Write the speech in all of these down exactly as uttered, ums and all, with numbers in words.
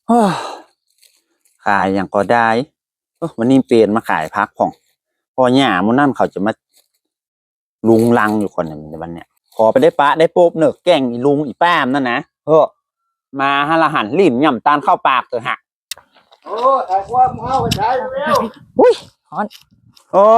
ขายอย่างก็ได้วันนี้เปลี่ยนมาขายพักของพอหย่ามุนั่นเขาจะมาลุงลังอยู่คนหนึ่งในวันเนี้ยขอไปได้ปะได้ปุ๊บเนอะแกงอีลุงอีป้ามนั่นนะเฮ้อมาฮะละหันลิ้นย่ำตาลเข้าปากเถอะฮะโอ้แต่ความเข้าไปใช้แล้วอุ้ยฮอนโอ้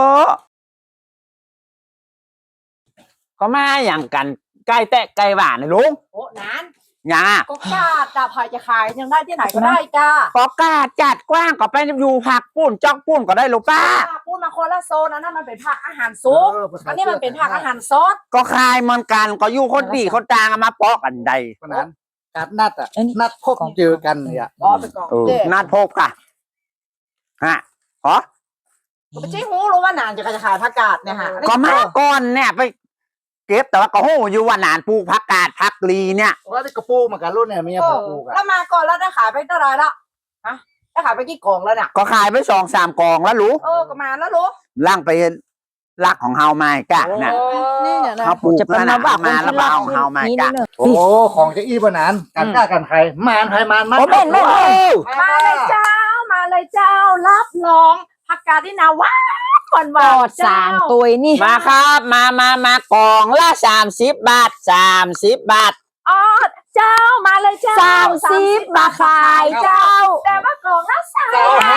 ก็มาอย่างกันใกล้แตะใกล้หวานเลยลุงโอ้นานยาก็กาดดาบไผ่จะขายยังได้ที่ไหนก็ได้จ้าก็กาดจัดกว้างก็ไปอยู่ผักปุ้นจอกปุ้นก็ได้ลูกป้าปุ้นมาคนละโซนนั่นมันเป็นผักอาหารซุปอันนี้มันเป็นผักอาหารซอสก็คายเหมือนกันก็อยู่คนดีคนจางมาปอกกันใดเพราะนั้นการนัดอ่ะนัดพบเจอกันเนี่ยอ๋อเป็นกองนัดพบกันฮะเหรอไม่ใช่หูรู้ว่านานจะจะขายผักกาดเนี่ยฮะก็มาก่อนเนี่ยไปเก็บแต่ว่าก็หูอยู่ว่านานปลูกผักกาดผักลีเนี่ยว่าที่กระปูเหมือนกันรุ่นเนี่ยมีผักปลูกอะแล้วมาก่อนแล้วได้ขายไปเท่าไรละฮะได้ขายไปกี่กล่องแล้วเนี่ยก็ขายไปสองสามกล่องแล้วรู้เออก็มาแล้วรู้ล่างไปลักของเฮาไม่กะนะเขาปลูกแล้วนะมาแล้วมาเอาเฮาไม่กะโอ้ของจะอี้ปนานกันกล้ากันใครมานใครมานมาโอ้เป็นไม่มาเลยเจ้ามาเลยเจ้ารับรองผักกาดที่นาว่าก่อนว่าสามตัวนี่มาครับมามามากล่องละสามสิบบาทสามสิบบาทอ๋อเจ้ามาเลยเจ้าสามสิบบาทขายเจ้าแต่ว่ากล่องละสาม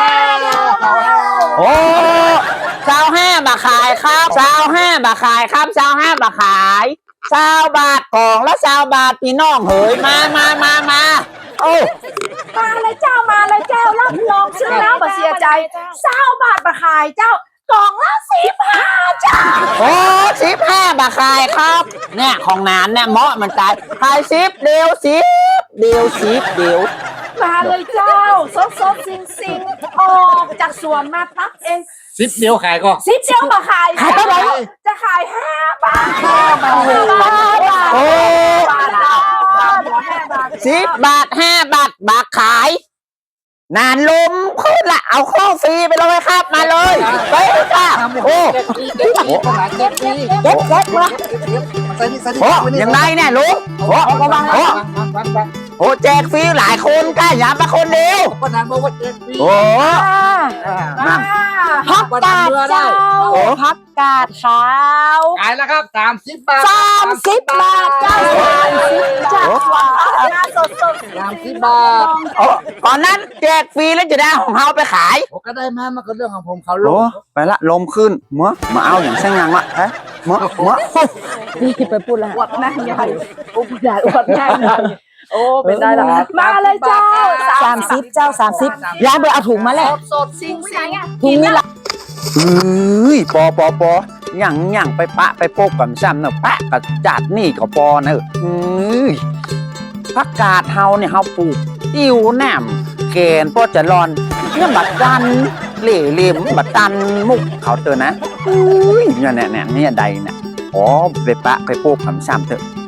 โอ้เจ้าห้าบาทขายครับเจ้าห้าบาทขายครับเจ้าห้าบาทขายเจ้าบาทกล่องละเจ้าบาทพี่น้องเฮ้ยมามามามาโอ้มาเลยเจ้ามาเลยเจ้ารับรองซื้อแล้วมาเสียใจเจ้าบาทมาขายเจ้ากล่องละสิบห้าจ้าโอ้สิบห้าบาทขายครับเนี่ยของนานเนี่ยเหมาะมันตายขายสิบเดียวสิบเดียวสิบเดียวมาเลยเจ้าสดสดซิงซิงออกจากสวนมาตักเองสิบเดียวขายก็สิบเดียวมาขายขายเท่าไหร่จะขายห้าบาทห้าบาทโอ้สิบบาทห้าบาทบาทขายนานลมขึ้นละเอาข้อฟรีไปเลยครับมาเลยไปค่ะโอ้เก็บเก็บเก็บเก็บเก็บวะโอ้ยังไงเนี่ยลุงโอ้โอ้โอ้แจกฟรีหลายคนกล้าอย่ามาคนเดียวก็นานบอกว่าแจกฟรีโอ้ผักกาดเจ้าผักกาดขาวขายแล้วครับสามสิบบาทสามสิบบาทเจ้าสามสิบจ้าสดสดสามสิบบาทโอ้ก่อนนั้นแจกฟรีแล้วจะได้ของเฮาไปขายโอ้ก็ได้มามันก็เรื่องของผมเขาลงไปละลมขึ้นเมื่อมาเอาอย่างเส้นงานวะฮะเมื่อเมื่อนี่ไปพูดละอวดนั่งใหญ่อุปดาอวดนั่งใหญ่โอ้เป็นได้ละมาเลยเจ้าสามสิบเจ้าสามสิบย้ายไปเอาถุงมาแล้วสดซิงซิงถุงนี่ละเอ้ยปอปอปอหยั่งหยั่งไปปะไปโปกกับซ้ำเนอะปะกับจัดนี่กับปอเนอะเอ้ยผักกาดเฮาเนี่ยเฮาปลูกอิ่วแหนมแกนพอจะรอนเนี่ยบัดดันเหล่เหลี่ยมบัดดันมุกเขาเตอนะเอ้ยเนี่ยเนี่ยเนี่ยเนี่ยใดเนี่ยอ๋อไปปะไปโปกกับซ้ำเถอะ